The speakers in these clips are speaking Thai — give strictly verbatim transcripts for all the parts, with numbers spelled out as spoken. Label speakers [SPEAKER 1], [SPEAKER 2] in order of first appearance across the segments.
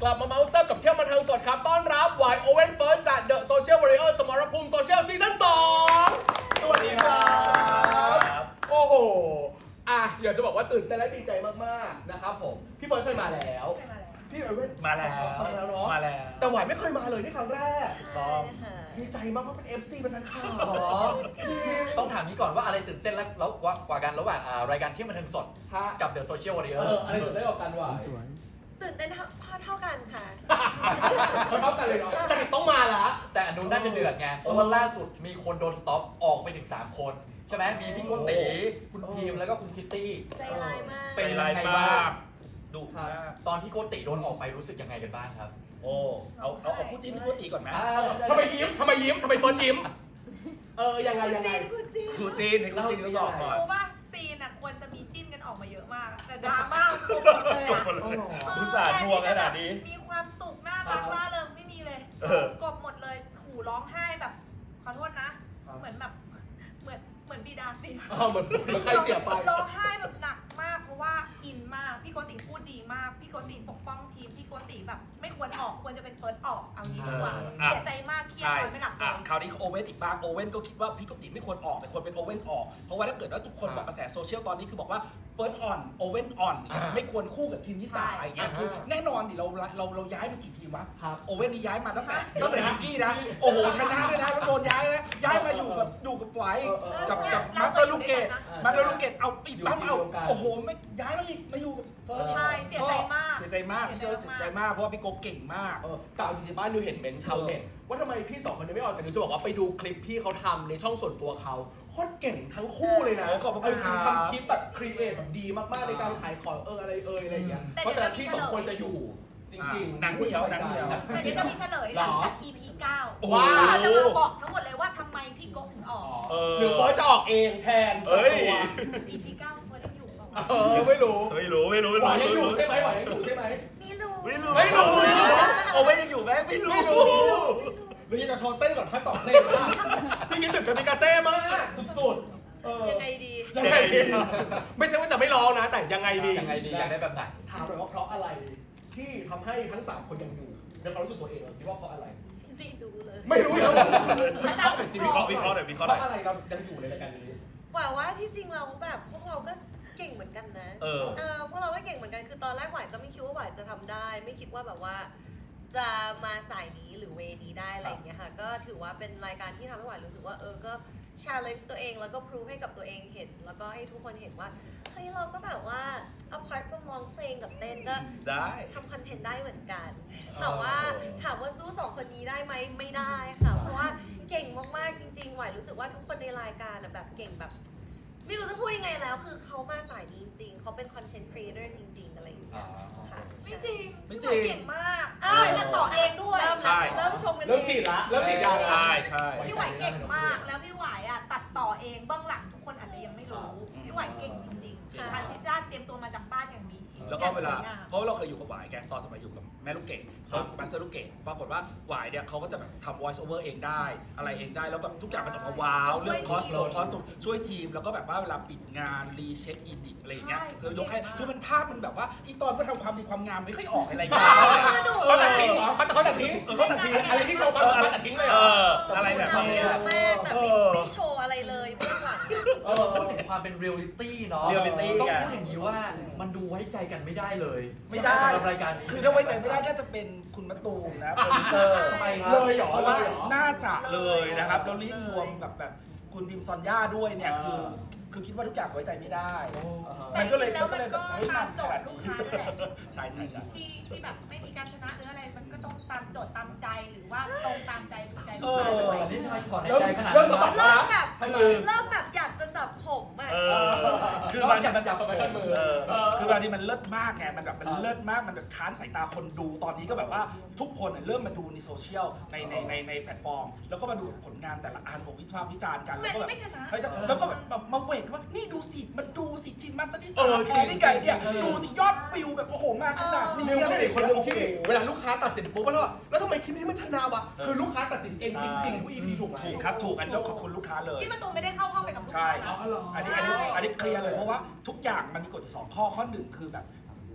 [SPEAKER 1] กลับมาเมาส์แซ่บกับเที่ยวบันเทิงสดครับต้อนรับวายโอเว่นเฟิร์สจาก The Social Warrior สมรภูมิโซเชียลซีซั่นสองสวัสดีครับโอ้โหอ่ะอยากจะบอกว่าตื่นเต้นและดีใจมากๆนะครับผมพี่เฟิร์สเคยมาแล้วพี่โอเว่น
[SPEAKER 2] มาแล้ว
[SPEAKER 1] มาแล้วเนาะ
[SPEAKER 2] มาแล้ว
[SPEAKER 1] แต่หวายไม่เคยมาเลยนี่ครั้งแรก
[SPEAKER 3] ใช่ค่ะ
[SPEAKER 1] ดีใจมากเพราะเป็น เอฟ ซี เป็นนักข่าว
[SPEAKER 4] ต้องถามนี้ก่อนว่าอะไรตื่นเต้นแล้วแล้วกว่ากันระหว่างอ่ารายการเที่ยวบันเทิงสด
[SPEAKER 1] ฮะ
[SPEAKER 4] กับ The Social
[SPEAKER 1] เอ
[SPEAKER 4] Warrior
[SPEAKER 1] ออะไรตื่นเต้นกว่ากันวะ
[SPEAKER 3] ตื่นเต้นเท่าเท่ากันค่ะ
[SPEAKER 1] เท่ากันเลยเนาะจริตต้องมาละ
[SPEAKER 4] แต่อันนู้นน่าจะเดือดไงเพราะว่าล่าสุดมีคนโดนสต็อปออกไปถึงสามคนใช่ไหมมีพี่โกติคุณพีมแล้วก็คุณคิตตี้
[SPEAKER 3] ใจร้ายมาก
[SPEAKER 4] เป็น
[SPEAKER 2] ไร
[SPEAKER 4] ยังไง
[SPEAKER 2] ม
[SPEAKER 4] บ้าง
[SPEAKER 2] ากดุมาก
[SPEAKER 4] ตอนพี่โกติโดนออกไปรู้สึกยังไงกันบ้างครับ
[SPEAKER 2] โอ้เอาเอาเอาคู่จิ้นคู่ตีก่อนไหม
[SPEAKER 4] อ่า
[SPEAKER 1] ทำไมยิ้มทำไมยิ้มทำไมเฟิร์นยิ้มเออยังไงยังไง
[SPEAKER 3] กูจริง
[SPEAKER 2] คู่จิ้นในคู่จิ้นต้องบอกก่อน
[SPEAKER 5] เพราะว่าซีนอ่ะควรจะมีจิ้นกันออกมาเยอะมาก แต่ดราม่าจบหมดเลย
[SPEAKER 2] จบ
[SPEAKER 5] อ่ะ
[SPEAKER 2] หมดเลย
[SPEAKER 1] อ๋อ
[SPEAKER 2] อุตส่าห์ทวงขนาดนี้
[SPEAKER 5] มีความสุขน่ารักล่าเริงไม่มีเลย
[SPEAKER 2] เออ
[SPEAKER 5] กบหมดเลยขู่ร้องไห้แบบ ขอโทษนะ เหมือนแบบเหมือนเหมือนบีดาเสีย
[SPEAKER 1] อ๋อเหมือนเหมือนใครเสียไป
[SPEAKER 5] ร้องไห้แบบหนักมากเพราะว่าอินมากพี่โกติพูดดีมากพี่โกติปกป้องทีมพี่โกติแบบไม่ควรออกควรจะเป็นเฟิร์สออกเอางี้ดีกว่า
[SPEAKER 2] อ่ะ
[SPEAKER 5] เสียใจมากเครียด
[SPEAKER 2] ใช่
[SPEAKER 5] นอนไม่หลับเล
[SPEAKER 2] อ่ะ
[SPEAKER 5] ย
[SPEAKER 2] คราวนี้โอเว่นอีกบ้างโอเว่นก็คิดว่าพี่กติไม่ควรออกแต่ควรเป็นโอเว่นออกเพราะว่าถ้าเกิดว่าทุกคนบอกกระแสโซเชียลตอนนี้คือบอกว่าเฟิร์สออนโอเว่นออน
[SPEAKER 1] อ่า
[SPEAKER 2] ไม่ควรคู่กับทีมที่สามอะไรเงี้ย
[SPEAKER 1] อ่า
[SPEAKER 2] คือแน่นอนดิเราเราเราย้ายมากี่ทีมวะ
[SPEAKER 1] ครับ
[SPEAKER 2] โอเว่นนี่ย้ายมาตั้งแต่
[SPEAKER 1] เดี๋ยว
[SPEAKER 2] ตั้งแต่
[SPEAKER 1] นะ
[SPEAKER 2] นิกกี้นะโอ้โหชนะด้วยนะแล้วโดนย้ายนะย้ายมาอยู่กับอยู่กับไฟ
[SPEAKER 1] เออเออ
[SPEAKER 2] กับ
[SPEAKER 5] เนี่ย
[SPEAKER 2] กับ
[SPEAKER 5] เรา
[SPEAKER 2] มาสเตอร์ลูกเกต
[SPEAKER 5] เคยอยู่ด้วยกันนะ
[SPEAKER 2] มาสเตอร์ลูกเกตเอาอีกตั้มเอา
[SPEAKER 1] อยู่ทีมเดียวกัน
[SPEAKER 2] โอ้โหไม่ย้ายมาอีกมาอยู่กับเฟิร์ส
[SPEAKER 5] ใช่เสียใจมาก
[SPEAKER 2] เสียใจมากพี่เจอเสียใจมากเพราะว่าพี่โกเก่งมาก
[SPEAKER 1] เออแต่เอาจริงๆบ้านนิวเห็นเมนชาวเน็ตว่าทำไมพี่สองคนนี้ไม่ออกแต่นิวจะบอกว่าไปดูคลิปพี่เขาทำในช่องส่วนตัวเขาโคตรเก่งทั้งคู่เลยนะ
[SPEAKER 2] โอ้ขอบคุณ
[SPEAKER 1] เออจริง
[SPEAKER 2] ครับ
[SPEAKER 1] ทำคลิปแบบครีเอทแบบดีมากๆในการขายของเอออะไรเอออะไรอย่างเงี้ย
[SPEAKER 5] แต่
[SPEAKER 1] เพราะฉะนั้น
[SPEAKER 5] เดี๋
[SPEAKER 1] พี่
[SPEAKER 5] ยว
[SPEAKER 1] สองคน
[SPEAKER 5] จะมี
[SPEAKER 1] จะอยู่จริงๆ
[SPEAKER 2] หนังเหนียวหนังเหนียว
[SPEAKER 5] แต่เดี๋ยวจะมีเฉลยหลังจาก อี พี เก้า
[SPEAKER 2] โอ้โห
[SPEAKER 5] เราจะมาบอกทั้งหมดเลยว่าทำไมพี่โกถึงออก
[SPEAKER 2] เออ
[SPEAKER 1] หรือเฟิร์สจะออกเองแทน
[SPEAKER 2] เอ้ย
[SPEAKER 1] ตัว
[SPEAKER 5] อี พี เก้าเฟิร์นยังอยู่เปล่า
[SPEAKER 1] เออไม่รู้
[SPEAKER 2] ไม่รู้ไม่รู้ไม่
[SPEAKER 1] ห
[SPEAKER 2] รู้
[SPEAKER 1] วานยังอยู่
[SPEAKER 2] รู้
[SPEAKER 1] ใช่ไหมหวานยังอยู่ใช่ไหม
[SPEAKER 3] ไม่รู้
[SPEAKER 2] ไม่รู้
[SPEAKER 1] ไม่รู้
[SPEAKER 2] โอ้ไม่ยังอยู่ไหมไม่รู้
[SPEAKER 1] ไม่รู้หรือจะโชว์เต้นก่อนทั้งสองเพลงนะพี่คิดถึงกามิกาเซ่มากสุดๆเออ
[SPEAKER 3] ยังไงดี
[SPEAKER 1] ยังไงดีไม่ใช่ว่าจะไม่ร้องนะ แต่ยังไงดี
[SPEAKER 4] ยังไงดีอยากได้แบบไหน
[SPEAKER 1] ถามหน่อยว่าเพราะอะไรที่ทำให้ทั้งสามคนยังอยู่ในความรู้สึกตัวเองเราคิดว่าเพราะอะไร
[SPEAKER 3] ไม่รู้เลย
[SPEAKER 1] ไม่รู้แล้ววิเคราะห์หน่อยสิ
[SPEAKER 2] วิเคราะห์วิเคราะห์หน่อยวิเคราะห์ห
[SPEAKER 1] เพ
[SPEAKER 2] น่อย
[SPEAKER 1] ราะอะไรเรายังอยู่ในรายการนี้
[SPEAKER 3] หว่าว่าที่จริงเราแบบพวกเราก็เก่งเหมือนกันนะ
[SPEAKER 2] เออ
[SPEAKER 3] เออพวกเราก็เก่งเหมือนกัน คือตอนแรกหวายก็ไม่คิดว่าหวายจะทำได้ ไม่คิดว่าแบบว่า จะมาสายนี้หรือเวนี้ได้อะไรอย่างเงี้ยค่ะ ก็ถือว่าเป็นรายการที่ทำให้หวายรู้สึกว่าเออ ก็ challenge ตัวเองแล้วก็ prove ให้กับตัวเองเห็น แล้วก็ให้ทุกคนเห็นว่า เฮ้ยเราก็แบบว่า apart from ร้องเพลงกับเต้นก็
[SPEAKER 2] ได้
[SPEAKER 3] ทำคอนเทนต์ได้เหมือนกัน แต่ว่าถามว่าสู้สองคนนี้ได้ไหมไม่ได้ค่ะ เพราะว่าเก่งมากๆจริงๆหวายรู้สึกว่าทุกคนในรายการอะแบบเก่งแบบ ไม่รู้จะพูดยังไงแล้ว คือเขามาสายนี้จริงๆเขาเป็นคอนเทนต์ครีเอเตอร์จริงๆอะไรอย่างเงี้ยค่ะ
[SPEAKER 5] ไม่จริง
[SPEAKER 2] ไม่จริง
[SPEAKER 5] พี่หวายเก่งมากเอ้ยจะต่อเองด้วย
[SPEAKER 3] เริ่ม
[SPEAKER 2] ใช่
[SPEAKER 3] เริ่มชมกัน
[SPEAKER 1] เริ่มฉีดละเริ่มฉีดยาละ
[SPEAKER 2] ใช่ใช่
[SPEAKER 5] พี่หวายเก่งมาก แล้วพี่หวายอ่ะตัดต่อเองเบื้องหลังทุกคนอาจจะยังไม่รู้ พี่หวายเก่งจริงๆทานซิชั่นเตรียมตัวมาจากบ้านอย่างดี
[SPEAKER 2] แล้วก็เวลา
[SPEAKER 5] อย่งสยงม
[SPEAKER 2] เพราะเราเคยอยู่กับหวายแกตอนสมัยอยู่กับแม่ลูกเกดมาสเตอร์ลูกเกดปรากฏว่าหวายเนี่ยเขาก็จะแบบทำ voice over เองได้ อะไรเองได้แล้วแบบทุกอย่างมันออกมาว้าวเรื่องคอสโตคอสตูมช่วยทีมแล้วก็แบบว่าเวลาปิดงานรีเช็คอินอีกอะไรอย่างเงี้ยคือยกให้คือมันภาพมันแบบว่าอีตอนก็ทำความดีความงามไม่ค่อยออกอะไรอย่างเงี้ย
[SPEAKER 1] เขาตัดทิ้งเหรอเขาเขาตัดทิ้ง
[SPEAKER 2] เออเขาตัดทิ้ง
[SPEAKER 1] อะไรที่โชว์ความสามารถตัดทิ้งเลยเหร
[SPEAKER 2] เอ
[SPEAKER 1] อ
[SPEAKER 2] ออะไรแบบ
[SPEAKER 3] ทำ
[SPEAKER 2] นี้
[SPEAKER 3] เยอะมากแต่
[SPEAKER 2] เอ
[SPEAKER 3] ไม่
[SPEAKER 2] อ
[SPEAKER 3] ไม่โชว์อะไรเลยเบื้องหลังอะ
[SPEAKER 1] เออ
[SPEAKER 4] พูดถึงความเป็นเรียลลิตี้เนาะ
[SPEAKER 2] reality
[SPEAKER 4] ต้อง
[SPEAKER 2] ไง
[SPEAKER 4] พูดอย่างนี้ว่ามันดูไว้ใจกันไม่ได้เลย
[SPEAKER 2] ไม่ได้
[SPEAKER 4] สำหรับรายการนี้
[SPEAKER 2] คือถ้าไว้ใจไม่ได้น่าจะเป็นคุณมะตูมนะโปรดิวเซอร์
[SPEAKER 4] ทำไมครับ
[SPEAKER 1] เลยเหรอ
[SPEAKER 2] เพราะ
[SPEAKER 1] เล
[SPEAKER 2] ว่าย
[SPEAKER 1] เหรอ
[SPEAKER 2] น่าจะเลยนะครับแล้วรีบรวมกับแบบคุณพิมซอนย่าด้วยเนี่ย
[SPEAKER 1] อ่า
[SPEAKER 2] คือคือคิดว่าทุกอย่างไว้ใจไม่ได้
[SPEAKER 5] แต่
[SPEAKER 2] มัน
[SPEAKER 5] จ
[SPEAKER 2] ก็เลย
[SPEAKER 5] ริงๆแล้ว
[SPEAKER 2] ก็
[SPEAKER 5] มัน
[SPEAKER 2] เลยแบ
[SPEAKER 5] ก็
[SPEAKER 2] บเฮ้ย
[SPEAKER 5] ตามโจ
[SPEAKER 2] ข
[SPEAKER 5] ท
[SPEAKER 2] นาด
[SPEAKER 5] ย์ลูก
[SPEAKER 2] นี้
[SPEAKER 5] ค้านั่นแหละ
[SPEAKER 2] ใช่ใช่ใช่
[SPEAKER 5] ที่ที่แบบไม่มีการชนะหรืออะไรมันก็ต้องตามโจทย์ตามใจหรือว่าตรงตามใจถูกใจลูกค้าด้วย
[SPEAKER 4] แต่นี่ทำไมถอนใน
[SPEAKER 1] เริ่ม
[SPEAKER 4] ใจขนาด
[SPEAKER 1] เริ่ม
[SPEAKER 4] นั้น
[SPEAKER 1] สะบัด
[SPEAKER 4] วะ
[SPEAKER 3] เริ่มแบบ
[SPEAKER 1] ทำไม
[SPEAKER 3] เริ่มแบบอยากจะจับผมอะ
[SPEAKER 2] เออคือบางที
[SPEAKER 4] จับ
[SPEAKER 2] มัน
[SPEAKER 4] จับ
[SPEAKER 1] ไปกันมือ
[SPEAKER 2] เออคือบางทีมันเลิศมากไงมันแบบมันเลิศมากมันแบบค้านสายตาคนดูตอนนี้ก็แบบว่าทุกคนเริ่มมาดูในโซเชียลในในในในแพลตฟอร์ม แล้วก็มาดูผลงานแต่ละอันของวิพากษ์วิจารณ์กัน
[SPEAKER 5] ทำไม
[SPEAKER 2] แล้วก็แบบ
[SPEAKER 5] ไม่ชนะ
[SPEAKER 2] แล้วก็แบบมาเวทว่านี่ดูสิมันดูสิทีมมันจะที่
[SPEAKER 1] เอ
[SPEAKER 2] สา
[SPEAKER 1] อ
[SPEAKER 2] มแพ้ได้ไงเนี่ย
[SPEAKER 1] จริงๆ
[SPEAKER 2] ดูสิยอดวิวแบบโอ้โหมากขนาดนี้
[SPEAKER 1] นิว
[SPEAKER 2] อะไร
[SPEAKER 1] เป็น
[SPEAKER 2] อ
[SPEAKER 1] อี
[SPEAKER 2] ย่าก ง
[SPEAKER 1] คนห
[SPEAKER 2] เงี้ย
[SPEAKER 1] นึ่งที่เวลาลูกค้าตัดสินปุ๊บก็แล้วแล้วทำไมคลิปนี้มันชนะวะ
[SPEAKER 2] เออ
[SPEAKER 1] คือลูกค้าตัดสินเองจริงๆทุก อี พี ถูกไหม
[SPEAKER 2] ถูกครับถูกอันนี้ต้องขอบคุณลูกค้าเลย
[SPEAKER 5] ที่ประตูไม่ได้เข้าห้องไปกับลูก
[SPEAKER 2] ใช่
[SPEAKER 5] ค้านะ
[SPEAKER 1] เอาเหรอ
[SPEAKER 2] อันนี้อันนี้อันนี้เคลียร์เลยเพราะว่าทุกอย่างมันมีกฎอยู่สองข้อข้อหนึ่งคือแบบ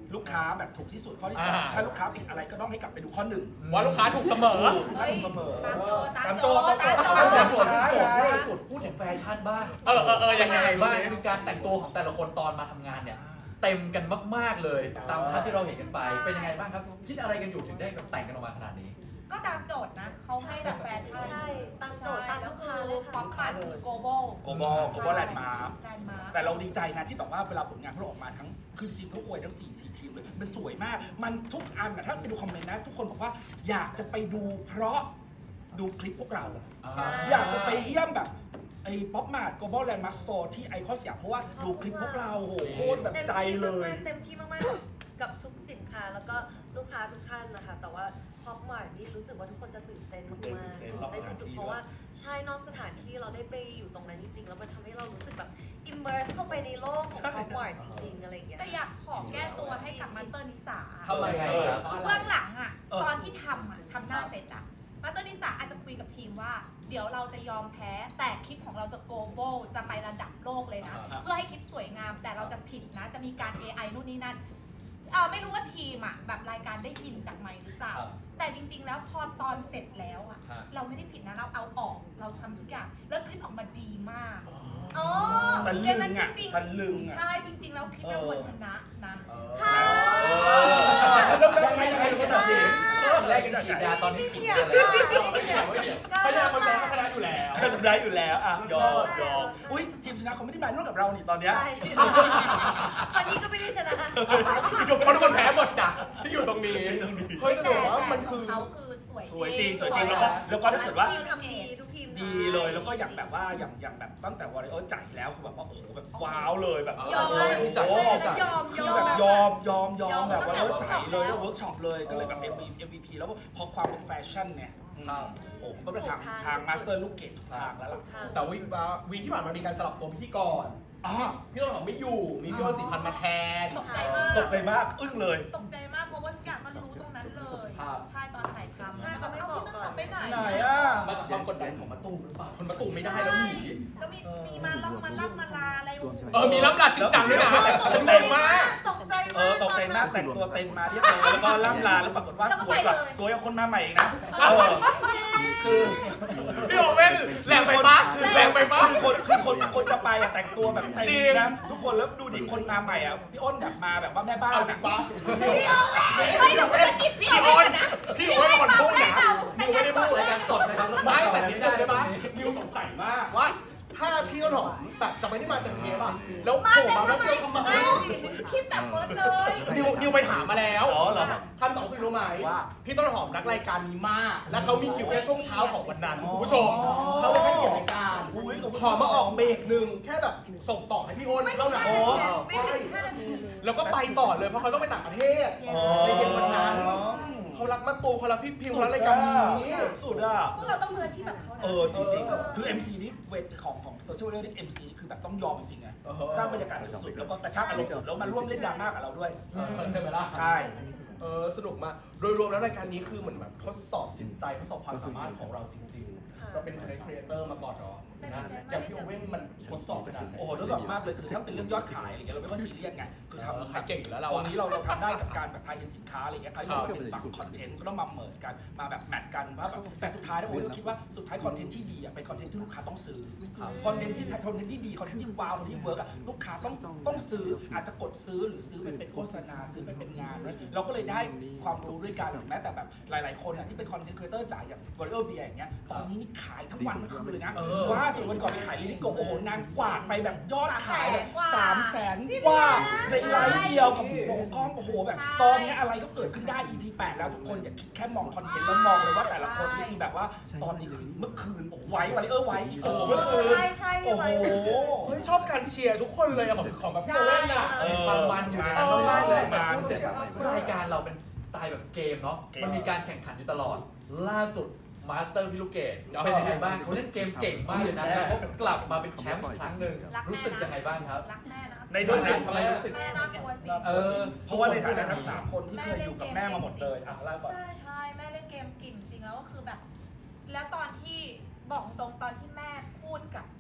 [SPEAKER 2] ลูกค้าแบบถูกที่สุดข้อที่สอง
[SPEAKER 1] อ่า
[SPEAKER 2] ถ้าลูกค้าผิดอะไรก็ต้องให้กลับไปดูข้อหนึ่ง
[SPEAKER 1] ว่าลูกค้าถูกเสมอ
[SPEAKER 2] ถูกลูกค้าถูกเสมอ
[SPEAKER 5] ตามโจตามโจ
[SPEAKER 2] ตามโจ
[SPEAKER 5] ตามโจ
[SPEAKER 4] เอา
[SPEAKER 2] ตาม
[SPEAKER 4] โจ
[SPEAKER 2] โจ
[SPEAKER 4] ทย์โจทย์ล่าสุดพูดถึงแฟชั่นบ้าง
[SPEAKER 1] เออเออเออยังไง
[SPEAKER 4] บ้างคือการแต่งตัวของแต่ละคนตอนมาทำงานเนี่ย เต็มกันมากๆเลย ตามภาพที่เราเห็นกันไปเป็นยังไงบ้างครับ คิดอะไรกันอยู่ถึงได้แบบแต่งกันออกมาขนาดนี้
[SPEAKER 5] ก็ตามโจทย์นะเขาให้แบบแฟชั่น
[SPEAKER 3] ใช่ตามโจทย์ตาม
[SPEAKER 5] แล้ว
[SPEAKER 3] ลูก
[SPEAKER 5] คื
[SPEAKER 3] ค้า
[SPEAKER 5] อ
[SPEAKER 3] เลย
[SPEAKER 5] ป๊อ
[SPEAKER 3] ค่ะ
[SPEAKER 5] ปคาร์คือ global
[SPEAKER 2] โกโบโกโบแลนด์มา
[SPEAKER 5] แลนด์มาร์ค
[SPEAKER 2] แต่เราดีใจนะที่แบบว่าเวลาผลงานพวกเราออกมาทั้งคือจริงๆเขาอวยทั้งสี่สี่ทีมเลยมันสวยมาก มันทุกอันอะถ้าไปดูคอมเมนต์นะ ทุกคนบอกว่าอยากจะไปดูเพราะดูคลิปพวกเรา
[SPEAKER 3] ใช่
[SPEAKER 2] อยากจะไปเยี่ยมแบบไอ้ป๊อปมาร์ท Global Landmark Store ที่ไอคอนสยามเพราะว่าดูคลิปพวกเราโหโคตรแบบใจเลย
[SPEAKER 3] เต็มที่มากๆกับทุกสินค้าแล้วก็ลูกค้าทุกท่านนะคะ แต่ว่าพอปมาร์ทนี่รู้สึกว่าทุกคนจะตื่นเต้นมากๆ
[SPEAKER 2] ตื่นเต้นรอบ
[SPEAKER 3] ได้
[SPEAKER 2] สถาน
[SPEAKER 3] สุด
[SPEAKER 2] ที่
[SPEAKER 3] ๆเพราะว่าใช่นอกสถานที่เราได้ไปอยู่ตรงนั้นจริงๆ แล้วมันทำให้เรารู้สึกแบบ immerse เข้าไปในโลกของพอปมาร์ทจริงๆอะไรอย่างเงี้ย
[SPEAKER 5] แต่อยากขอแก้ตัวให้กับมาสเตอร์นิสา
[SPEAKER 4] ทำไมไงครับ
[SPEAKER 5] คือเบื้องหลังอะ
[SPEAKER 2] เออ
[SPEAKER 5] ตอนที่ทำอะทำหน้าเสร็จอะมาสเตอร์นิสาอาจจะคุยกับทีมว่า เดี๋ยวเราจะยอมแพ้ แต่คลิปของเราจะ global จะไประดับโลกเลยนะ
[SPEAKER 2] อ่า
[SPEAKER 5] เพื่อให้คลิปสวยงาม แต่เราจะผิดนะ จะมีการ เอ ไอ นู่นนี่นั่นเออไม่รู้ว่าทีมอะแบบรายการได้ยินจากไมค์หรือเปล่า
[SPEAKER 4] ครับ
[SPEAKER 5] แต่จริง ๆ แล้วพอตอนเสร็จแล้วอะ
[SPEAKER 4] ฮะ
[SPEAKER 5] เราไม่ได้ผิดนะ เราเอาออก เราทำทุกอย่าง แล้วคลิปออกมาดีมากอ๋อ
[SPEAKER 2] ตะลึง
[SPEAKER 5] เรื่องนั้น
[SPEAKER 2] อะ
[SPEAKER 5] จริง
[SPEAKER 2] ตะลึงอะ
[SPEAKER 5] ใช่จริง ๆ แล้วคลิปเราควรชนะนะ
[SPEAKER 4] ค่ะ
[SPEAKER 1] ยังไงยังไง
[SPEAKER 4] แค่ตัดสินแรกกันฉีดยาตอนนี้ฉีดอะไร
[SPEAKER 1] ไม่เกี่ยวไม่เกี่ยวเขาจะคนแพ้ก็ชนะอยู่แล้ว
[SPEAKER 2] ชนะอยู่แล้วอ่ะยอมยอมอุ้ยทีมชนะเขาไม่ได้มาร่วมกับเรานี่ตอนเนี้ย
[SPEAKER 3] ใช่วันนี้ก็ไม่ได้ชนะ
[SPEAKER 1] เพราะทุกคนแพ้หมดจ้ะที่อยู่ตรงนี้เฮ้ยแต่
[SPEAKER 5] แต่
[SPEAKER 1] ว่า
[SPEAKER 5] แต่
[SPEAKER 1] มัน
[SPEAKER 5] ข
[SPEAKER 1] คือ
[SPEAKER 5] องเขาคือสวย
[SPEAKER 2] สวยจริงสวยจริงแล้วก็แล้วก็ถ้าเกิดว่า
[SPEAKER 3] ทีมทำดีทุกทีม
[SPEAKER 2] ดีเลยแล้วก็อย่างแบบว่าอย่างอย่างแบบตั้งแต่วอร์เรอร์จ่ายแล้วคือแบบว่าโอ้โหแบบว้าวเลยแบบ
[SPEAKER 3] ยอม
[SPEAKER 2] โอ้
[SPEAKER 3] เลย
[SPEAKER 2] โห
[SPEAKER 1] จ่าย
[SPEAKER 3] ใช่
[SPEAKER 1] จ่าย
[SPEAKER 3] แล้วยอม
[SPEAKER 2] คื
[SPEAKER 3] ย
[SPEAKER 2] อ
[SPEAKER 3] อม
[SPEAKER 2] แบบยอมยอมยอม
[SPEAKER 3] ยอม
[SPEAKER 2] แบบวอร์เรอร์
[SPEAKER 3] ตั้งแต่
[SPEAKER 2] จ่ายเลยแล้ว
[SPEAKER 3] เวิ
[SPEAKER 2] เวิ
[SPEAKER 3] ร์
[SPEAKER 2] ร์
[SPEAKER 3] ก
[SPEAKER 2] ก
[SPEAKER 3] ช็
[SPEAKER 2] ช็
[SPEAKER 3] อ
[SPEAKER 2] อ
[SPEAKER 3] ป
[SPEAKER 2] ปเลยก็เลยแบบ เอ็ม วี พี แล้วพอความเป็นแฟชั่นเนี่ยอืมโอ้โหก็เป็นทางทางมาสเตอร์ลูกเกดทุกทางแล้วล่ะ
[SPEAKER 1] แต่วีวีที่ผ่านมามีการสลับตัวพิธีกร
[SPEAKER 2] อ๋อ
[SPEAKER 1] พี่ต้นหอมไม่อยู่ มีพี่อ้นสีพันธุ์มาแทน
[SPEAKER 5] ตกใจมาก
[SPEAKER 2] ตกใจมากอึ้งเลย
[SPEAKER 5] ตกใจมากเพราะว่าทุกอย่างก็รู้ตรงนั้นเลย
[SPEAKER 1] ครับ
[SPEAKER 5] ใช่ตอนถ่ายทำ
[SPEAKER 3] ใช่เขาไม่บอกก่อน
[SPEAKER 5] เาพี่ต้นหอมไปไหน
[SPEAKER 2] ไหนอ่ะ
[SPEAKER 1] มาจากความกดดันของมะตูมหรือเปล่าคนมะตูมไม่ได้แล้วหนี
[SPEAKER 5] แล้วมีมีมาล่ำมาล่ำมาลาอะไรโอ้โห
[SPEAKER 1] เออ มีรับหลักจริงจังด้วยนะฉันงงมาก
[SPEAKER 3] ตกใจ
[SPEAKER 2] เอ
[SPEAKER 3] มา
[SPEAKER 2] อก ตกใจมากแต่งตัวเต็มมาเรียบร้อยแล้วก็ล่ำลาแล้วปรากฏว่าสวยกว่าสวยกว่าคนมาใหม่อีกนะเออคือ
[SPEAKER 1] พี่โอเว่นแรงไปปะแรงไปปะ
[SPEAKER 2] คือคนคือคนคนจะไปอะแต่งตัวแบบเต็ม
[SPEAKER 1] จริง
[SPEAKER 2] นะทุกคนแล้วดูดิคนมาใหม่อ่ะพี่อ้นแบบมาแบบว่าแม่บ้าน
[SPEAKER 1] เอาจริงปะ
[SPEAKER 5] พี่โอเว่นไม่หนูจะกินพี่
[SPEAKER 1] พี่
[SPEAKER 5] โอ
[SPEAKER 1] โอ
[SPEAKER 5] เว่
[SPEAKER 1] น
[SPEAKER 5] นนะ
[SPEAKER 1] พี่โอนคนพูดนะนิวไม่ได้พูด
[SPEAKER 4] รายการสดนะครับ
[SPEAKER 1] ไม่แต่นิดนึงได้ปะ
[SPEAKER 4] ได้
[SPEAKER 1] นิวสงสัยมากว่า ถ้าพี่ต้นหอมแบบจะไม่ได้มาจากเทปอะแล้วโผล่มาแล้วเดียวทำไม
[SPEAKER 5] คิดแบบเฟิร์สเลย
[SPEAKER 1] นิวนิวไปถามมาแล้ว
[SPEAKER 2] อ๋อเหรอ
[SPEAKER 1] ท่านสองคือรู้ไหม
[SPEAKER 2] ว่า
[SPEAKER 1] พี่ต้นหอมรักรายการนี้มาก และเขามีคิวแค่ช่วงเช้าของวันนั้นคุณผู้ชมเขาเลยให้เกียรติรายการ
[SPEAKER 2] อุ้ยขอบคุณ
[SPEAKER 1] ขอมาออกเบรกหนึ่งแค่แบบส่งต่อให้พี่โอนเท่านั้น
[SPEAKER 5] ไม่ถึงห้านาที
[SPEAKER 1] แล้วก็ไปต่อเลยเพราะเขาต้องไปต่างประเทศ
[SPEAKER 2] อ๋อ
[SPEAKER 1] ในเย็นวันนั้นเขารักมาตูเขารักพี่พิมเขารักรายการนี้
[SPEAKER 2] สุดอ่ะ
[SPEAKER 5] พวกเราต้องมืออาชีพแบบเขานะ
[SPEAKER 2] เออจริงๆ คือ เอ็ม ซี นี่เวทของของโซเชียลเรื่อง เอ็ม ซี คือแบบต้องยอมจริงๆไง
[SPEAKER 1] เออ
[SPEAKER 2] สร้างบรรยากาศสุดๆแล้วก็กระชากอารมณ์สุดแล้วมาร่วมเล่นดราม่ากับเราด้วย
[SPEAKER 1] ใช่ไหมล่ะ
[SPEAKER 2] ใช่
[SPEAKER 1] เออสนุกมาก โดยรวมแล้วรายการนี้คือเหมือนแบบทดสอบจิตใจทดสอบความสามารถของเราจริงๆ เราเป็นครีเอเตอร์มาก่อนเนาะนะอย่างพี่โอเว่นมันทดสอบขนาดไหน
[SPEAKER 2] โอ้โหทดสอบมากเลย คือถ้าเป็นเรื่องยอดขายอะไรเงี้ยเราไม่ค่อยซีเรียสไง คือทำ
[SPEAKER 1] ขายเก่งอยู่แล้วเรา
[SPEAKER 2] ตร
[SPEAKER 1] อะ
[SPEAKER 2] งนี้เราเราทำได้กับการแบบทายอินสินค้าอะไรเงี้ยคราวนี้เราเป็นฝั่งคอนเทนต์ก็ต้องมาเมิร์จกัน มาแบบแมทกันว่าแบบแต่สุดท้ายแล้วโอ้ยเราคิดว่าสุดท้ายคอนเทนต์ที่ดีอ่ะเป็นคอนเทนต์ที่ลูกค้าต้องซื้อ คอนเทนต์ที่คอนเทนต์ที่ดีคอนเทนต์ที่ว้าวคอนเทนต์ที่เวิร์กอ่ะลูกค้าต้องต้องซื้ออาจจะกดซื้อหรือซื้อไปเป็นโฆษณาซื้อไปเป็นงานด้วยเราก็เลยได้ความรู้ด้วยกันหรือแม้แต่แบบหลาย ๆ คนอ่ะที่เป็นคอนเทนต์ครีเอเตอร์จ่ายอย่างวอลเลอร์เบียอย่างเงี้ยตอนนี้นี่ขายทั้งวันทั้งคืนเลยนะว่าสุดวันก่อนไปขายลิลิโกโอ้โหนางกวาดไปแบบยอดขายแบบสามแสนกว่าในไลฟ์เดียวกับวงกล้องโอ้โหแบบตอนนี้อะไรก็เกิดขึ้นได้ อี พี แปดแล้วทุกคนอย่าคิดแค่มองคอนเทนต์แล้วมองเลยว่าแต่ละคนนี่คือแบบว่าตอนนี้คือเมื่อคืนโอ้โหไว้วอลเลอร์ไว้โอ้โหเมื่อคืน
[SPEAKER 3] ใช่ใช่
[SPEAKER 2] โอ้โห
[SPEAKER 1] เฮ้ยชอบการเชียร์ทุกคนเลยอะของของแบบพี่โอเว่นอะ
[SPEAKER 2] เออ
[SPEAKER 4] ความมันอยู่ใน
[SPEAKER 2] เอ
[SPEAKER 4] นั้น
[SPEAKER 2] อ
[SPEAKER 4] มากเลย
[SPEAKER 2] มัน
[SPEAKER 4] พูดเสร็จรายการเราเป็นสไตล์แบบเกมเนาะ
[SPEAKER 2] เกม
[SPEAKER 4] มันมีการแข่งขันอยู่ตลอด ล่าสุดมาสเตอร์พิลูเกตเป็นยังไงบ้างเขาเล่นเกมเก่งมากเลยนะแล้วเขากลับมาเป็นแชมป์อีกครั้งหนึ่งรู้สึกยังไงบ้างครับ
[SPEAKER 5] รักแม่นะ
[SPEAKER 2] ในฐานะ
[SPEAKER 4] ทำไมรู้สึก
[SPEAKER 5] แม่น่ากลัวจริง
[SPEAKER 4] เออ
[SPEAKER 2] เพราะว่าในฐานะทั้งสามคนที่เคยอยู่กับแม่มาหมดเลยอ่ะเล่าก่อน
[SPEAKER 5] ใช่ใช่แม่เล่นเกมเก่งจริงแล้วก็คือแบบ แล้วตอนที่บอกตรงตอนที่แม่พูดกับที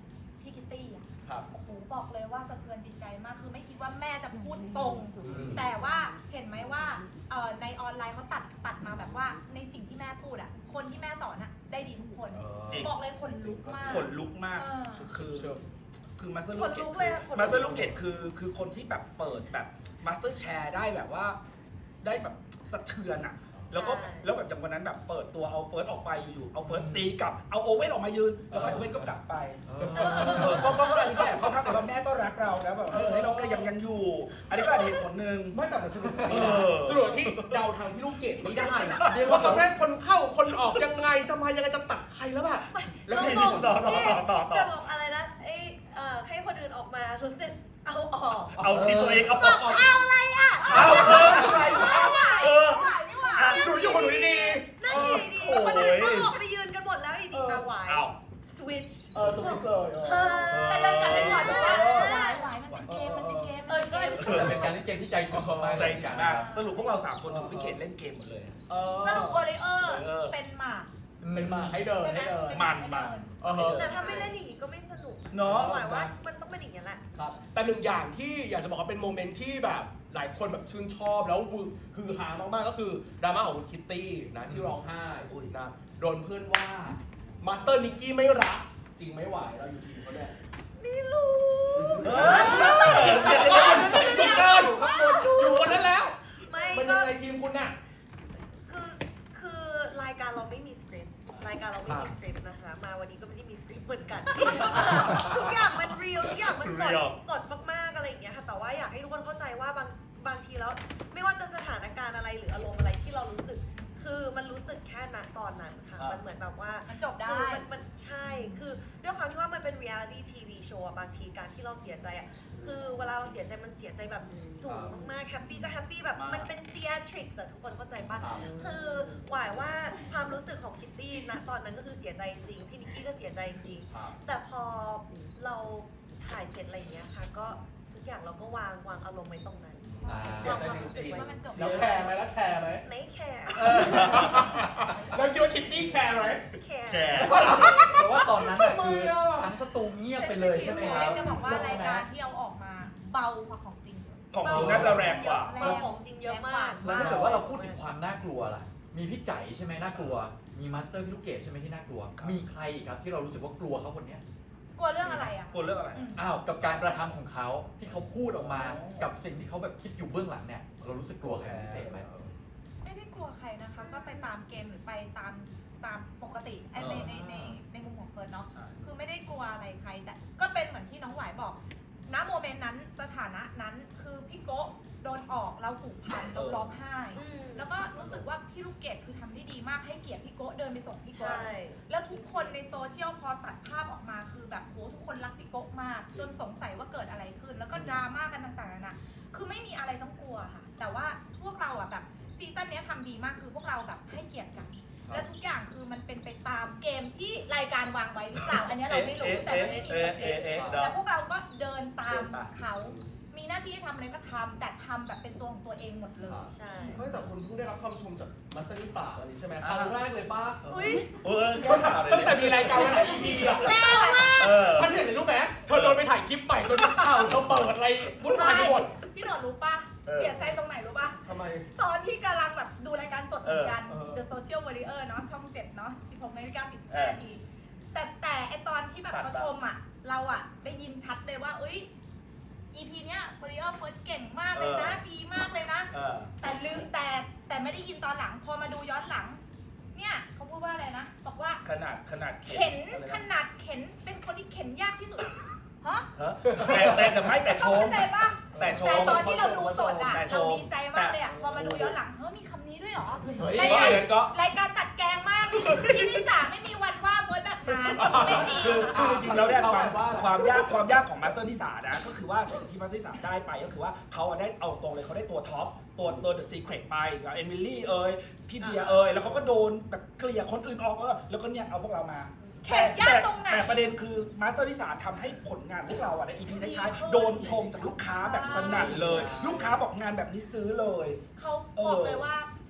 [SPEAKER 5] พี่คิตตี้อ่ะ
[SPEAKER 1] ครับ
[SPEAKER 5] โอ้โหบอกเลยว่าสะเทือนจิตใจมากคือไม่คิดว่าแม่จะพูดตรง แต่ว่าเห็นไหมว่าเอ่อในออนไลน์เขาตัดตัดมาแบบว่าในสิ่งที่แม่พูดอ่ะคนที่แม่สอนอ่ะได้ดีทุกคน
[SPEAKER 2] จริง
[SPEAKER 5] บอกเลยขนลุกมาก
[SPEAKER 2] ขนลุกมาก
[SPEAKER 5] เออ
[SPEAKER 2] คือคือมาสเตอร์
[SPEAKER 3] ข
[SPEAKER 2] ลู
[SPEAKER 3] น
[SPEAKER 2] กเก
[SPEAKER 3] ลุ
[SPEAKER 2] ต
[SPEAKER 3] กเลยอะขนลุก
[SPEAKER 2] มาสเตอร์ลูกเกตคือคือคนที่แบบเปิดแบบมาสเตอร์แชร์ได้แบบว่าได้แบบสะเทือนอ่ะแล้วก็
[SPEAKER 3] ใช่
[SPEAKER 2] แล้วแบบอย่างวันนั้นแบบเปิดตัวเอาเฟิร์สออกไปอยู่ๆเอาเฟิร์สตีกลับเอาโอเว่นออกมายืนแล้วก็โอเว่นก็กลับไป
[SPEAKER 4] เออ
[SPEAKER 2] เออก็ก็ก็อะไรแบบเขาทักแต่ว่าแม่ก็รักเราแล้วแบบเออให้เราก็ยังยังอยู่ อันนี้ก็อาจจะเหตุผลหนึ่ง
[SPEAKER 1] ไม่แต่มันสนุก
[SPEAKER 2] เออ
[SPEAKER 1] สนุกที่เดาทางพี่ลูกเกดไม่ได้อะ
[SPEAKER 4] เรียก
[SPEAKER 1] ว่า
[SPEAKER 4] ว่า
[SPEAKER 1] เขาจะให้คนเข้าคนออกยังไงจะมายังไงจะตัดใครแล้วแบบแล้ว
[SPEAKER 3] เรา
[SPEAKER 1] พี่
[SPEAKER 3] บอก
[SPEAKER 2] ต่อต่อ
[SPEAKER 3] นี่
[SPEAKER 2] ต่อต่อต่อ
[SPEAKER 3] จะบอกอะไรนะไอ้เอ่อให้คนอื่นออกมาทุกเสร็จเอาออก
[SPEAKER 2] เอาทีตัวเองเอา
[SPEAKER 3] บ
[SPEAKER 2] อ
[SPEAKER 3] อ
[SPEAKER 2] อก ก
[SPEAKER 3] เอาอะไรอ่ะ
[SPEAKER 2] เอาเอออะไรวะเออ
[SPEAKER 5] ไหวไม่ไหว
[SPEAKER 2] อ่ะ
[SPEAKER 1] หนูอยู่กับหนูดี
[SPEAKER 3] นั่นดีดี
[SPEAKER 2] โอ้ย
[SPEAKER 3] คนอื่นก็ออกไปยืนกันหมดแล้วอีดี
[SPEAKER 1] เออ
[SPEAKER 3] เอาไหว
[SPEAKER 2] เอา
[SPEAKER 3] สวิตช์
[SPEAKER 1] ๆเออสวิสเซอร์เออ
[SPEAKER 5] แต่เดินกลับไปก่อนบอกว่าไหวไหวมันเป็นเกมมันเป็นเกม
[SPEAKER 3] เออใช่
[SPEAKER 4] เออเป็นการเล่นเกมที่ใจถึงมากๆ
[SPEAKER 2] ใจถึงมากสรุปพวกเราสามคนถูกพี่เกดเล่นเกมหมดเลย
[SPEAKER 1] เออ
[SPEAKER 5] สรุปโอริเออร์
[SPEAKER 2] เออ
[SPEAKER 5] เป็นหมาก
[SPEAKER 1] เป็นมาให้เดิน
[SPEAKER 5] ใช่ไหม
[SPEAKER 1] ให้เดิน
[SPEAKER 5] เป็น
[SPEAKER 2] มัน
[SPEAKER 5] ให้
[SPEAKER 2] มัน
[SPEAKER 5] เดิ
[SPEAKER 1] เออฮะ
[SPEAKER 3] แต่ถ้าไม่เล่นอย่างนี้ก็ไม่สนุก
[SPEAKER 2] เนาะ
[SPEAKER 3] หมายว่ามันต้องเป็นอย่างนี้แหละ
[SPEAKER 1] ครับแต่หนึ่งอย่างที่อยากจะบอกว่าเป็นโมเมนต์ที่แบบหลายคนแบบชื่นชอบแล้วฮือฮามากๆก็คือดราม่าของคุณคิตตี้นะที่ร้องไห้นะโดนเพื่อนว่ามาสเตอร์นิกกี้ไม่รักจริงไม่ไหวเราอยู่ทีมเขาเนี่ย
[SPEAKER 3] ไม่รู้
[SPEAKER 2] เฮ้ย
[SPEAKER 1] สุดเกินอยู่คนนั้นแล้ว
[SPEAKER 3] ไม่
[SPEAKER 1] มัน
[SPEAKER 3] ก็
[SPEAKER 1] ยังไงทีมคุณน่ะ
[SPEAKER 3] คือคือรายการเราไม่มีสคริปต์รายการเราไม่มีสคริปต์นะคะ มาวันนี้ก็ไม่ได้มีสคริปต์เหมือนกัน ทุกอย่างมันเรียลทุกอย่างมันสด
[SPEAKER 2] Real
[SPEAKER 3] สดมากๆอะไรอย่างเงี้ยค่ะแต่ว่าอยากให้ทุกคนเข้าใจว่าบางบางทีแล้ว ไม่ว่าจะสถานการณ์อะไรหรืออารมณ์อะไรที่เรารู้สึก คือมันรู้สึกแค่ณตอนนั้นค่ะ
[SPEAKER 2] อ่ามั
[SPEAKER 3] มันเหมือนแบบว่า
[SPEAKER 5] มันจบได้
[SPEAKER 3] คือมันมันใช่ คือด้วยความที่ว่ามันเป็น reality ที วี show อะบางทีการที่เราเสียใจอะคือเวลาเราเสียใจมันเสียใจแบบสูงมากๆแฮปปี้ก็แฮปปี้แบบ
[SPEAKER 2] มาก
[SPEAKER 3] มันเป็น theatrics อะทุกคนเข้าใจปะ
[SPEAKER 1] ครับ
[SPEAKER 3] คือหวายว่าความรู้สึกของคิตตี้ณตอนนั้นก็คือเสียใจจริง พี่นิกกี้ก็เสียใจจริง แต่พอเราถ่ายเสร็จอะไรอย่างเงี้ยค่ะ ก็ทุกอย่างเราก็วางวางอารมณ์ไว้ตรงนั้น
[SPEAKER 4] อ่า
[SPEAKER 1] เสียใจจริง
[SPEAKER 5] ว่ามันจบ
[SPEAKER 1] แล้วแคร์ไหมแล้วแคร์ไหม
[SPEAKER 3] ไม่แคร์
[SPEAKER 1] เออแล้วคิดว่าคิตตี้แคร์ไหม
[SPEAKER 3] แคร์
[SPEAKER 2] แชร์
[SPEAKER 4] เพราะว่าตอนนั้นน่ะคือ
[SPEAKER 1] ทำไมอ่ะ
[SPEAKER 4] ทั้งสตูเงียบไปเลยใช่ไหมครับ
[SPEAKER 5] จะบอกว่ารายการที่เอาออกมาเบากว่าของจริง
[SPEAKER 2] ของคุณน่าจะแรงกว่า
[SPEAKER 3] เบาของจริงเยอะมาก
[SPEAKER 4] แล้วถ้าเกิดว่าเราพูดถึงความน่ากลัวล่ะ มีพี่ใจใช่ไหมน่ากลัว มีมาสเตอร์พี่ลูกเกดใช่ไหมที่น่ากลัว มีใครอีกครับที่เรารู้สึกว่ากลัวเขาคนเนี้ย
[SPEAKER 5] กลัวเรื่องอะไรอ่ะ
[SPEAKER 2] กลัวเรื่องอะไร
[SPEAKER 4] อ้าว กับการกระทำของเขาที่เขาพูดออกมา กับสิ่งที่เขาแบบคิดอยู่เบื้องหลังเนี่ย เรารู้สึกกลัวใครเป็นพิเศษไหม
[SPEAKER 5] ไม่ได้กลัวใครนะคะ ก็ไปตามเกมหรือไปตามตามปกติไอ้ในในในในมุมของเฟิร์นเนาะ คือไม่ได้กลัวอะไรใคร แต่ก็เป็นเหมือนที่น้องหวายบอก ณ โมเมนต์นั้นสถานะนั้นคือพี่โกะโดนออกเราผูกพันเราร้องไห้
[SPEAKER 3] อืม
[SPEAKER 5] แล้วก็รู้สึกว่าพี่ลูกเกดคือทำได้ดีมากให้เกียรติพี่โกะเดินไปส่งพี่
[SPEAKER 3] ใช่
[SPEAKER 5] โกะแล้วทุกคนในโซเชียลพอตัดภาพออกมาคือแบบโหทุกคนรักพี่โกะมาก จนสงสัยว่าเกิดอะไรขึ้น แล้วก็ดราม่ากันต่างๆนานาคือไม่มีอะไรต้องกลัวค่ะ แต่ว่าพวกเราอะแบบซีซั่นเนี้ยทำดีมากคือพวกเราแบบให้เกียรติกัน และทุกอย่างคือมันเป็นไปตามเกมที่รายการวางไว้หรือเปล่าอันเนี้ยเราไม่รู้แต่มันไม่มีสคริปต์
[SPEAKER 2] เอ๊ะ
[SPEAKER 5] แต่พวกเราก็เดินตาม
[SPEAKER 2] เดินตาม
[SPEAKER 5] เขา มีหน้าที่ให้ทำอะไรก็ทำแต่ทำแบบเป็นตัวของตัวเองหมดเลย
[SPEAKER 3] ใช่
[SPEAKER 1] ไม่แต่คุณเพิ่งได้รับคำชมจากมาสเตอร์นิสาอันนี้ใช่ไหมครั้งแรกเลยป้า
[SPEAKER 3] อุ้ย
[SPEAKER 2] เออแก้ข่าวเลย
[SPEAKER 1] ตั้งแต่มีรายการมาหลาย อี พีอะ
[SPEAKER 3] แรงมาก
[SPEAKER 2] เออ
[SPEAKER 1] ท่านเห็นเลยรู้ไหมเธอโดนไปถ่ายคลิปใหม่จนนักข่าวเธอเปิดอะไรวุ่นวายไปหมด
[SPEAKER 5] พี่หนอนรู้ปะ
[SPEAKER 2] เออ
[SPEAKER 5] เสียใจตรงไหนรู้ปะ
[SPEAKER 1] ทำไม
[SPEAKER 5] ตอนที่กำลังแบบดูรายการสดเหมือนกัน
[SPEAKER 1] เออ
[SPEAKER 5] The Social Warrior เนาะช่องเจ็ดเนาะสิบหกนาฬิกาสี่สิบ
[SPEAKER 2] เอ
[SPEAKER 5] ห้า
[SPEAKER 2] อ
[SPEAKER 5] นาที แต่แต่ไอตอนที่แบบ
[SPEAKER 2] ตัด
[SPEAKER 5] เขา
[SPEAKER 2] ตัด
[SPEAKER 5] ชมอ่ะ เราอ่ะได้ยินชัดเลยว่าเอ้ย อี พี เนี้ย Warrior First เก่งมากเลยนะ ดีมากเลยนะ
[SPEAKER 2] เออ
[SPEAKER 5] แต่ลืมแต่แต่ไม่ได้ยินตอนหลัง พอมาดูย้อนหลัง เนี่ยเขาพูดว่าอะไรนะ บอกว่า
[SPEAKER 2] ขนาดขนาด
[SPEAKER 5] เข็น
[SPEAKER 2] อะไระ
[SPEAKER 5] ขนาดเข็นเป็นคนที่เข็นยากที่สุด ฮะ
[SPEAKER 2] ฮะแต่แต่แต่ไม่แต่ช
[SPEAKER 5] เขา
[SPEAKER 2] ม
[SPEAKER 5] เข้าใจปะ
[SPEAKER 2] แต่ช
[SPEAKER 5] แต่
[SPEAKER 2] ม
[SPEAKER 5] ตอนที่เราดูสดอะ
[SPEAKER 2] แต่ช
[SPEAKER 5] เรา
[SPEAKER 2] ม
[SPEAKER 5] ดีใจมากเลยอะพอมาดูย้อนหลังเฮ้ยมีคำนี้ด้วยเหรอ
[SPEAKER 1] เฮ้ย
[SPEAKER 5] รายการ
[SPEAKER 2] เฟิร์นก็
[SPEAKER 5] รายการตัดแกงมากพี่นิสาไม่มีวันว่าเฟิร์สแบบนั้นไม่มี
[SPEAKER 2] คือคือจริงๆแล้วเนี่ย
[SPEAKER 1] เขา
[SPEAKER 2] ความ
[SPEAKER 1] ว่า
[SPEAKER 2] ความยากความยากของมาสเตอร์นิสานะก็คือว่าสิ่งที่มาสเตอร์นิสาได้ไปก็คือว่าเขาอะได้เอาตรงเลยเขาได้ตัวท็อปตัวตัวเดอะซีเครตไปกับเอมิลี่เอยพี่เบียร์เอยแล้วเขาก็โดนแบบเกลี่ยคนอื่นออกเออแล้วก็เนี่ยเอาพวกเรามา
[SPEAKER 5] แข่งยากตรงไหน
[SPEAKER 2] แต่ประเด็นคือมาสเตอร์นิสาทำให้ผลงานพวกเราอะในอีพีท้ายๆโดนชมจากลูกค้าแบบสนั่นเลย ลูกค้าบอกงานแบบนี้ซื้อเลย
[SPEAKER 5] เขาบอกเลยว่า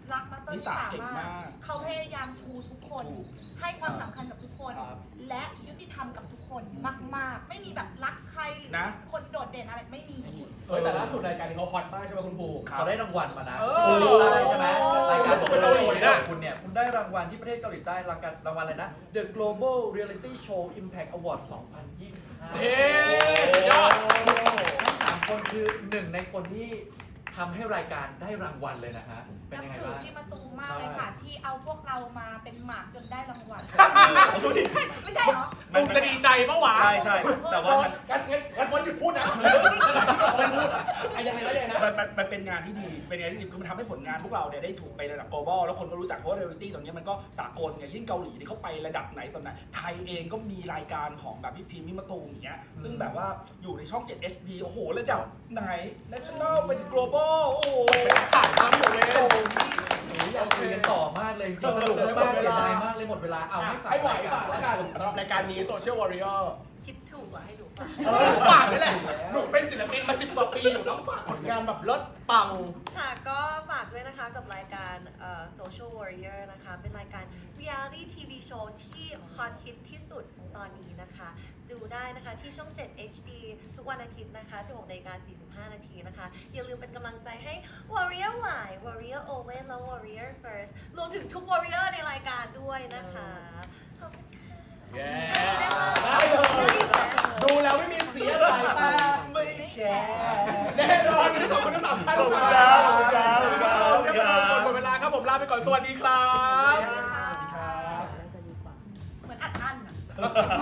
[SPEAKER 5] รักมาสเตอร์
[SPEAKER 2] นิ
[SPEAKER 5] นิ
[SPEAKER 2] สา
[SPEAKER 5] สา
[SPEAKER 2] เก่ง
[SPEAKER 5] มาม
[SPEAKER 2] าก ก
[SPEAKER 5] เขาพยายามชูทุกคน
[SPEAKER 2] ถูก
[SPEAKER 5] ให้ความสำคัญกับทุกคน
[SPEAKER 2] ครับ
[SPEAKER 5] และยุติธรรมกับทุกคนมากๆ ไม่มีแบบรักใครหรือ
[SPEAKER 2] นะ
[SPEAKER 5] คนโดดเด่นอะไรไม่มี
[SPEAKER 1] เออแต่ล่าสุดรายการนี้เขาฮอตมากใช่ไหมคุณภู
[SPEAKER 4] เขาได้รางวัลมานะ
[SPEAKER 1] เออ
[SPEAKER 4] คุณรู้ได้ใช่ไหมรายการ
[SPEAKER 1] ตัวเป็นเกาหลีนะ
[SPEAKER 4] คุณเนี่ยคุณได้รางวัลที่ประเทศเกาหลีใต้รางวัลรางวัลอะไรนะ The Global Reality Show Impact Award สองพันยี่สิบห้า
[SPEAKER 1] เฮ้สุดยอด
[SPEAKER 4] ทั้งสามคนคือหนึ่งในคนที่ทำให้รายการได้รางวัลเลยนะฮะเป็น
[SPEAKER 5] นับ
[SPEAKER 4] ยังไง
[SPEAKER 5] ถือ
[SPEAKER 4] บ้าง
[SPEAKER 5] พี่มาตูมมากเลยค่ะ ที่เอาพวกเรามาเป็นหมากจนได้รางวัล
[SPEAKER 1] ดูดิ
[SPEAKER 5] ไม่ใช่เหรอ
[SPEAKER 1] ตูมจะดีใจปะวะ
[SPEAKER 2] ใช่ใช่แต่ว่ามัน
[SPEAKER 1] งั้นงั้นงั้นคนหยุดพูดนะมันพูดอ่ะอะยังไงแล้วยังไงนะ
[SPEAKER 2] มันมันมันเป็นงานที่ดี เป็นงานที่ดีคือมันทำให้ผลงานพวกเราเนี่ยได้ถูกไประดับ global แล้วคนก็รู้จักเพราะว่า reality ตรงนี้มันก็สากลไงยิ่งเกาหลีนี่เขาไประดับไหนตอนไหนไทยเองก็มีรายการของแบบพี่พิมพ์มิมะตูมอย่างเงี้ยซึ่งแบบว่าอยู่ในช่อง เจ็ด เอช ดี โอ้โหระดับไหน national เป็น global โอ้โห
[SPEAKER 1] ถ่ายทำอยู่เลย
[SPEAKER 4] โอ้ยอยากคุยกันต่อมากเลยจริงๆสนุกมากเสียดายมากเลยหมดเวลาเอาให้ฝาก
[SPEAKER 1] ให้ไหว
[SPEAKER 4] ราย
[SPEAKER 1] ฝาก
[SPEAKER 4] กา
[SPEAKER 1] แล้ว
[SPEAKER 4] ร
[SPEAKER 1] กันสำหรับรายการนี้ Social Warrior
[SPEAKER 3] คิดถูกเหรอให้หนูฝาก
[SPEAKER 1] เออฝากนี่แหละหนูเป็นศิลปินมาสิบกว่าปีอยู่ต้องฝากผลงานแบบเลิศปัง
[SPEAKER 3] ค่ะก็ฝากด้วยนะคะกับรายการเอ่อ Social Warrior นะคะ เป็นรายการ Reality ที วี Show ที่ฮอตฮิตที่สุดตอนนี้นะคะ ดูได้นะคะที่ช่อง เจ็ด เอช ดี ทุกวันอาทิตย์นะคะ สิบหกนาฬิกาสี่สิบห้านาทีนะคะ อย่าลืมเป็นกำลังใจให้ Warrior Y Warrior Owen และ Warrior First รวมถึงทุก Warrior ในรายการด้วยนะคะขอบคุณค่ะ
[SPEAKER 1] เย้
[SPEAKER 3] ได้เลย
[SPEAKER 1] ดูแล้วไม่มีเสียสายตา
[SPEAKER 2] ไม่แคร์
[SPEAKER 1] แน่นอนวันนี้ขอบคุณทั้งสามท่าน
[SPEAKER 2] ขอบคุณ
[SPEAKER 1] ค
[SPEAKER 2] ครั
[SPEAKER 1] รับบ
[SPEAKER 2] ขอบคุณครับ
[SPEAKER 1] คุณผู้ชมที่มาดูหมดเวลาครับผมลาไปก่อนสวัสดีครับ
[SPEAKER 2] ครับ
[SPEAKER 5] เหมือนอัดอั้นอะ